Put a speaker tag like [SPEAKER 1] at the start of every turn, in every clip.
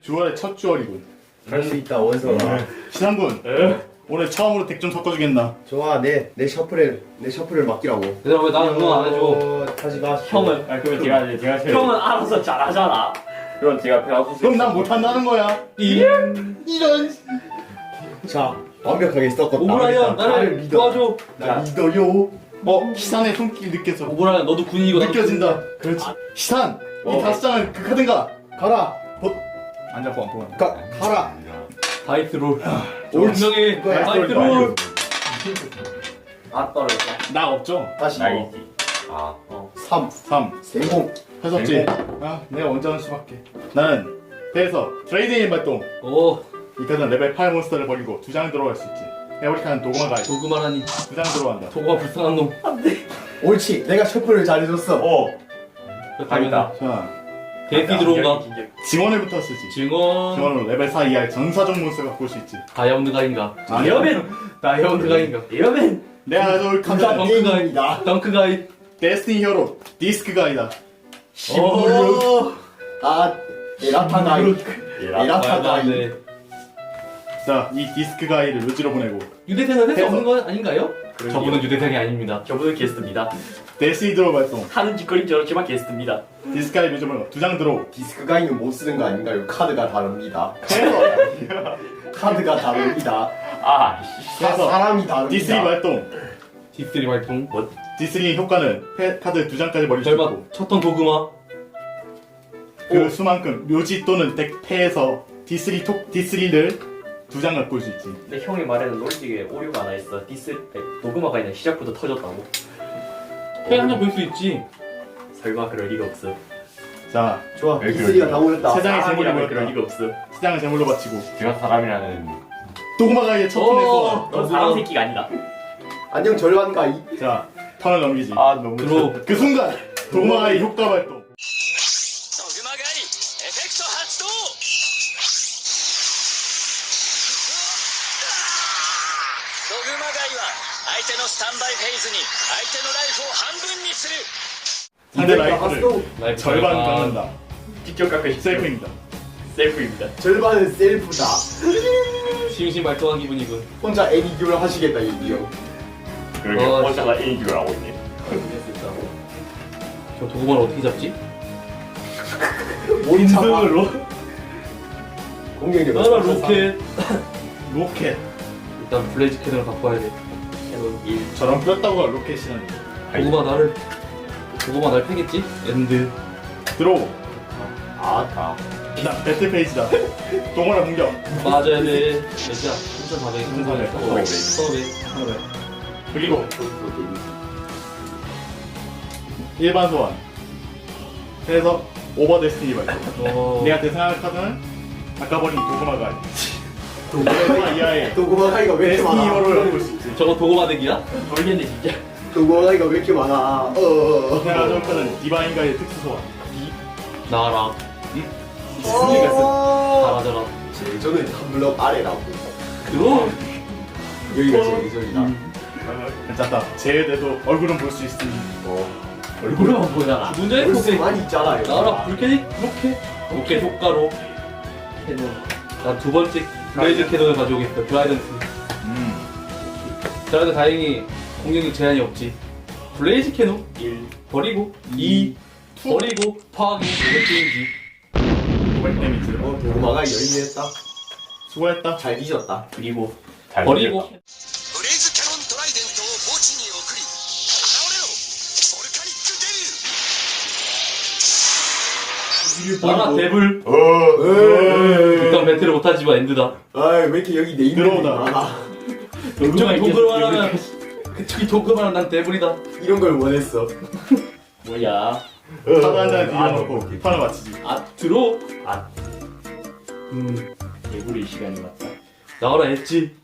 [SPEAKER 1] 주얼의 첫 주얼이군.
[SPEAKER 2] 할 수 있다 원서가.
[SPEAKER 1] 시상군. 오늘 처음으로 덱 좀 섞어주겠나?
[SPEAKER 2] 좋아 내 셔플을 맡기라고.
[SPEAKER 3] 얘들아 왜 나는 응원 안 해줘?
[SPEAKER 2] 하지 마.
[SPEAKER 4] 형은 그러면 제가
[SPEAKER 3] 형은 알아서 잘하잖아.
[SPEAKER 4] 그럼 제가 배워서
[SPEAKER 1] 그럼 난 못한다는 거야. 이런.
[SPEAKER 2] 자 완벽하게 섞었다.
[SPEAKER 3] 오브라이언 나를 도와줘.
[SPEAKER 2] 나 믿어요.
[SPEAKER 1] 시산의 손길 느껴져.
[SPEAKER 3] 오브라이언 너도 군인이고 나도
[SPEAKER 1] 느껴진다. 그렇지. 시산. 이 다섯 장을 극하든가.
[SPEAKER 2] 가라.
[SPEAKER 1] 안 잡고 안 보면.
[SPEAKER 2] 가라.
[SPEAKER 3] 다이트롤.
[SPEAKER 2] 옳지.
[SPEAKER 3] 운명의
[SPEAKER 2] 그거야.
[SPEAKER 3] 다이트롤. 아 떨어졌다.
[SPEAKER 1] 나 없죠?
[SPEAKER 2] 다시
[SPEAKER 4] 나이지.
[SPEAKER 2] 3
[SPEAKER 1] 3.
[SPEAKER 2] 성공.
[SPEAKER 1] 해석지. 내가 먼저 하는 수밖에. 나는 배에서 트레이딩 발동.
[SPEAKER 3] 오
[SPEAKER 1] 이 카드는 레벨 8 몬스터를 버리고 2장 들어갈 수 있지. 에어리카는 도구마 가이.
[SPEAKER 3] 도그마라니
[SPEAKER 1] 2장 들어간다.
[SPEAKER 3] 도구가 불쌍한 놈.
[SPEAKER 2] 옳지. 내가 셔플을 잘해줬어.
[SPEAKER 3] 그렇다면
[SPEAKER 1] 자,
[SPEAKER 3] 데이피 들어온가?
[SPEAKER 1] 증원을부터 쓰지.
[SPEAKER 3] 증원
[SPEAKER 1] 증원으로 레벨 4 이하의 전사적 몬스터가 볼 수 있지.
[SPEAKER 3] 다이아몬드 가인가?
[SPEAKER 1] 아니요.
[SPEAKER 3] 다이아몬드 가인가?
[SPEAKER 4] 이러면
[SPEAKER 1] 내가 가져올 카드는
[SPEAKER 3] 덩크 가이.
[SPEAKER 2] 게임이다.
[SPEAKER 3] 덩크 가이.
[SPEAKER 1] 데스티니 히어로 디스크 가이다.
[SPEAKER 3] 오.
[SPEAKER 2] 에라타 가이. 에라타 가이.
[SPEAKER 3] 네.
[SPEAKER 1] 자, 이 디스크 가이를 루지로 보내고
[SPEAKER 3] 유대생은 할 수
[SPEAKER 1] 해서.
[SPEAKER 3] 없는 건 아닌가요?
[SPEAKER 4] 그러게요.
[SPEAKER 3] 저분은 유대생이 아닙니다.
[SPEAKER 4] 저분은 게스트입니다.
[SPEAKER 1] 데스티니 드로 발동.
[SPEAKER 4] 하는 짓거리 저렇지만 게스트입니다.
[SPEAKER 1] 디스크 가이 루지로 2장 들어.
[SPEAKER 2] 디스크 가이는 못 쓰는 거 아닌가요? 카드가 다릅니다. 카드가 다릅니다.
[SPEAKER 1] 그래서
[SPEAKER 2] 사람이 다릅니다.
[SPEAKER 1] 디스니 발동.
[SPEAKER 3] 디스리 발동.
[SPEAKER 1] 디스니 효과는 카드 2장까지 버릴 수
[SPEAKER 3] 절반
[SPEAKER 1] 있고
[SPEAKER 3] 쳤던 도그마.
[SPEAKER 1] 그 수만큼 묘지 또는 덱 패에서 디스리를 2장 갖고 올 수 있지.
[SPEAKER 4] 근데 형이 말에는 롤직에 오류가 하나 있어. 도그마가 그냥 시작부터 터졌다고.
[SPEAKER 3] 패 한장 볼 수 있지.
[SPEAKER 4] 설마 그럴 리가 없어.
[SPEAKER 1] 자,
[SPEAKER 2] 좋아. 디스리가 다 올렸다.
[SPEAKER 1] 세 장의 재물을
[SPEAKER 4] 사람이라면 그럴
[SPEAKER 1] 모였다.
[SPEAKER 4] 리가 없어.
[SPEAKER 1] 2장을 재물로 바치고
[SPEAKER 5] 제가 사람이라는
[SPEAKER 1] 도구마 가이의 첫 턴에 소환.
[SPEAKER 4] 넌 사람 새끼가 아니다.
[SPEAKER 2] 안녕 절반 가이.
[SPEAKER 1] 자, 턴을 넘기지.
[SPEAKER 5] 너무
[SPEAKER 3] 들어.
[SPEAKER 1] 그 순간 도구마 가이 효과 발동.
[SPEAKER 6] ドグマ狩りエフェクト発動ドグマ狩りは相手のスタンバイフェーズに相手のライフを半分にする
[SPEAKER 1] 상대 라이프를
[SPEAKER 3] 라이프
[SPEAKER 1] 절반
[SPEAKER 3] 절반.
[SPEAKER 1] 깎는다.
[SPEAKER 4] 직접 깎으시
[SPEAKER 1] 셀프입니다.
[SPEAKER 4] 셀프입니다.
[SPEAKER 2] 절반은 셀프다.
[SPEAKER 3] 심심 발동한 기분이군.
[SPEAKER 2] 혼자 애니듀를 하시겠다 이 형.
[SPEAKER 5] 그렇게
[SPEAKER 3] 어,
[SPEAKER 5] 혼자가 인기를 하고 있네.
[SPEAKER 3] 저 도그마를 어떻게 잡지?
[SPEAKER 2] 인승으로. 공격력.
[SPEAKER 3] 나라 로켓.
[SPEAKER 1] 로켓.
[SPEAKER 3] 일단 블레이즈 캐논을 갖고 와야 돼.
[SPEAKER 4] 캐논 1.
[SPEAKER 1] 저런 뼈다구가 로켓이라니.
[SPEAKER 3] 도그마 날 패겠지? 엔드.
[SPEAKER 1] 들어오.
[SPEAKER 5] 다.
[SPEAKER 1] 자, 배틀 페이지다. 동원아 공격.
[SPEAKER 3] 맞아야 돼. 몇이야? 3,400,
[SPEAKER 1] 3,400.
[SPEAKER 3] 3,400.
[SPEAKER 1] 그리고 일반 소환. 그래서 오버 데스티니 발동. 내가 대상할 카드는 아까 버린 도구마 가이. 도구마 이하의
[SPEAKER 2] 도구마 가이가 왜 이렇게
[SPEAKER 1] 데스티니
[SPEAKER 2] 많아?
[SPEAKER 1] 히어로를 갖고 올 수 있지.
[SPEAKER 3] 저거 도그마 덱이야?
[SPEAKER 4] 모르겠네 진짜.
[SPEAKER 2] 도구마 가이가 왜 이렇게 많아?
[SPEAKER 1] 내가 가져올 카드는 디바인 가이의 특수 소환.
[SPEAKER 3] 나랑
[SPEAKER 1] 디스니가 쓴.
[SPEAKER 3] 잘하잖아.
[SPEAKER 2] 저는 한 블럭 아래라고.
[SPEAKER 3] 그럼
[SPEAKER 2] 여기가 제 예정이다.
[SPEAKER 1] 괜찮다. 제외돼도 얼굴은 볼 수 있으니.
[SPEAKER 4] 얼굴만 보잖아.
[SPEAKER 3] 문제는
[SPEAKER 2] 볼수
[SPEAKER 3] 로켓.
[SPEAKER 2] 많이 있잖아요.
[SPEAKER 3] 나랑 불캐릭 로켓 효과로
[SPEAKER 4] 캐논.
[SPEAKER 3] 난 두 번째 블레이즈 캐논을 가져오겠어. 드라이던스. 드라이던 다행히 공격력 제한이 없지. 블레이즈 캐논
[SPEAKER 4] 1.
[SPEAKER 3] 버리고 2 버리고 파괴 게임지.
[SPEAKER 1] 500 데미지.
[SPEAKER 2] 도구마 가이 열일했다.
[SPEAKER 1] 수고했다.
[SPEAKER 2] 잘 뒤졌다.
[SPEAKER 4] 그리고
[SPEAKER 5] 잘
[SPEAKER 3] 버리고
[SPEAKER 6] ブレイズキャノントライデントを墓地に送り現れろボルカニックデビュー
[SPEAKER 3] 나라 데블.
[SPEAKER 2] 에이.
[SPEAKER 3] 일단 배틀을 못하지만 엔드다.
[SPEAKER 2] 아이 왜 이렇게 여기 내 이름이
[SPEAKER 1] 들어오다.
[SPEAKER 2] 많아?
[SPEAKER 3] 그쪽이 도그만 하면 그쪽이 도그만 하면 난 데블이다.
[SPEAKER 2] 이런 걸 원했어.
[SPEAKER 4] 뭐야?
[SPEAKER 1] 카드 한 장을 뒤져놓고 판을 마치지.
[SPEAKER 3] 들어.
[SPEAKER 4] 개구리 시간이 왔다.
[SPEAKER 3] 나와라 엣지.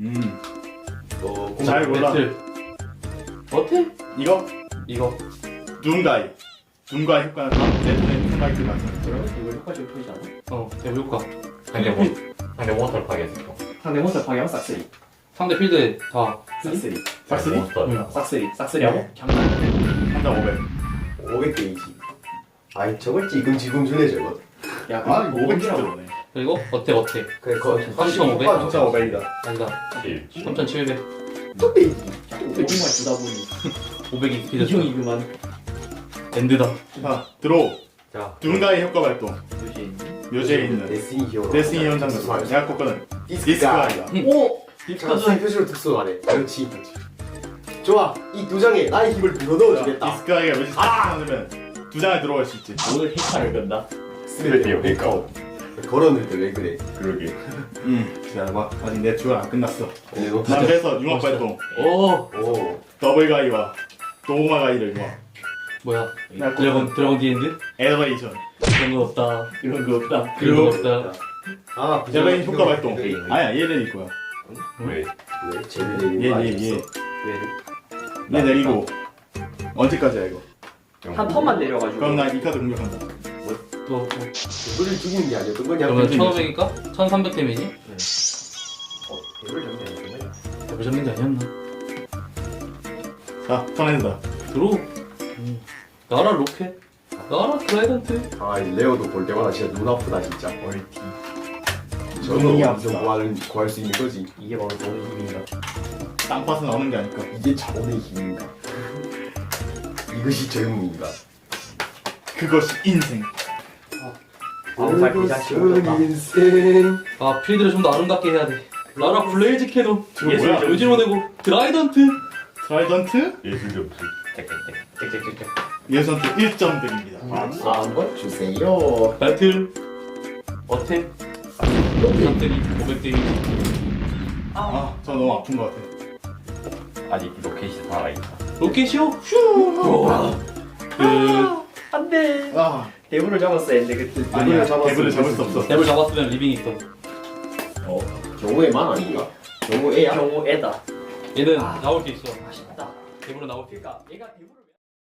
[SPEAKER 1] 잘 골라.
[SPEAKER 3] 배틀. 어때?
[SPEAKER 1] 이거
[SPEAKER 3] 이거.
[SPEAKER 1] 눈가이. 눈가이 효과는 다음 내 턴에 눈가이를 맞춰.
[SPEAKER 4] 그러면 이거 효과 좀 표시지 않아?
[SPEAKER 3] 데블 효과.
[SPEAKER 5] 상대 몬스터를 파괴했어.
[SPEAKER 4] 상대 몬스터 파괴하면 싹쓸이.
[SPEAKER 3] 상대 필드에 다.
[SPEAKER 4] 싹쓸이.
[SPEAKER 1] 싹쓸이?
[SPEAKER 5] 몬스터.
[SPEAKER 4] 싹쓸이하고
[SPEAKER 2] 네.
[SPEAKER 4] 경남.
[SPEAKER 1] 한장 500.
[SPEAKER 2] 500 게이지. 아이 저걸 지금 주네 저거.
[SPEAKER 4] 야,
[SPEAKER 1] 아,
[SPEAKER 4] 그거
[SPEAKER 1] 500
[SPEAKER 4] 500이라고.
[SPEAKER 1] 들어오네.
[SPEAKER 3] 그리고 어택.
[SPEAKER 2] 그래 거
[SPEAKER 3] 3,500?
[SPEAKER 1] 3,500이다.
[SPEAKER 3] 아니다.
[SPEAKER 5] 7.
[SPEAKER 3] 3,700.
[SPEAKER 4] 오리만 주다 보니
[SPEAKER 3] 500이 스피드.
[SPEAKER 4] 이형이 그만.
[SPEAKER 3] 엔드다.
[SPEAKER 1] 자, 들어오.
[SPEAKER 4] 자,
[SPEAKER 1] 누군가의 효과 발동. 묘지에 있는
[SPEAKER 2] 데스니 히어로
[SPEAKER 1] 데스니 현상에서 내가 꼽거는 디스크
[SPEAKER 2] 디스크가
[SPEAKER 1] 아이가.
[SPEAKER 4] 오!
[SPEAKER 2] 자 표시로 특수 말해 그렇지 좋아 이 두 장에 나의 힘을 불어넣어주겠다
[SPEAKER 1] 디스크 아이가 묘지 딱 넣으면 두 장에 들어갈 수 있지.
[SPEAKER 4] 오늘 히카를 건다.
[SPEAKER 5] 스멜이요, 그러니까.
[SPEAKER 2] 걸었는데 왜 그래
[SPEAKER 5] 그러게.
[SPEAKER 1] 기다려봐. 아직 내 주가 안 끝났어.
[SPEAKER 2] 너
[SPEAKER 1] 난 그래서 융합 발동.
[SPEAKER 3] 오
[SPEAKER 2] 오
[SPEAKER 1] 더블 가이와 도구마 가이를 융합.
[SPEAKER 3] 뭐야?
[SPEAKER 1] 내가
[SPEAKER 3] 드래곤 디엔드?
[SPEAKER 1] 엘레이션.
[SPEAKER 3] 그런 거 없다.
[SPEAKER 4] 이런 거 없다.
[SPEAKER 3] 그런 거 없다.
[SPEAKER 2] 아
[SPEAKER 1] 엘레인 효과 발동.
[SPEAKER 5] 네.
[SPEAKER 1] 아니야, 얘 내릴 거야.
[SPEAKER 5] 왜?
[SPEAKER 2] 왜 쟤를 내리는 거 아니었어?
[SPEAKER 1] 얘 내리고 언제까지야 이거?
[SPEAKER 4] 한 턴만 내려가지고.
[SPEAKER 1] 그럼 난 이 카드 공격한다.
[SPEAKER 3] 또
[SPEAKER 2] 누구를 죽이는 게 아니었던 거냐
[SPEAKER 3] 그러면 1,500이니까 1,300 데미지?
[SPEAKER 2] 배를 잡는 거야
[SPEAKER 3] 더블 잡는 게 아니었나?
[SPEAKER 1] 자, 턴한다.
[SPEAKER 3] 들어. 나라 로켓. 나라 트라이던트.
[SPEAKER 2] 아 레오도 볼 때마다 진짜 눈 아프다 진짜 얼티
[SPEAKER 1] 눈이
[SPEAKER 2] 저거
[SPEAKER 1] 아프다.
[SPEAKER 2] 어디서 구할 수 있는 거지
[SPEAKER 4] 이게 바로 돈의 힘인가.
[SPEAKER 1] 땅파서 나오는 게 아닐까.
[SPEAKER 2] 이게 자본의 힘인가 이것이 젊음인가
[SPEAKER 1] 그것이 인생.
[SPEAKER 4] 아무말 비자 치워줬다.
[SPEAKER 2] 인생
[SPEAKER 3] 아 필드를 좀 더 아름답게 해야 돼. 나라 블레이즈 캐논.
[SPEAKER 1] 저거 뭐야?
[SPEAKER 3] 요지로 내고 트라이던트.
[SPEAKER 1] 트라이던트
[SPEAKER 5] 예술 점수.
[SPEAKER 4] 짹짹짹짹.
[SPEAKER 1] 예선트 1점 드립니다.
[SPEAKER 4] 아,
[SPEAKER 2] 한번 주세요
[SPEAKER 3] 배틀. 어택. 배터리 500 데미지.
[SPEAKER 1] 아, 저 너무 아픈 것 같아.
[SPEAKER 5] 아직 로켓이 살아있다.
[SPEAKER 3] 로켓이요? 슈.
[SPEAKER 4] 안 돼.
[SPEAKER 1] 아,
[SPEAKER 4] 대부를 잡았어야 했는데, 그때.
[SPEAKER 1] 아니야.
[SPEAKER 2] 잡았으면
[SPEAKER 1] 대부를 잡을 수 없어.
[SPEAKER 3] 랩을 잡았으면 리빙 있어.
[SPEAKER 2] 경우에만 아닌가? 경우에야?
[SPEAKER 4] 경우 애다.
[SPEAKER 3] 얘는 나올 게 있어.
[SPEAKER 4] 맛있다.
[SPEAKER 3] 대부로 나올 게 있어.
[SPEAKER 4] 그러니까 얘가 대부를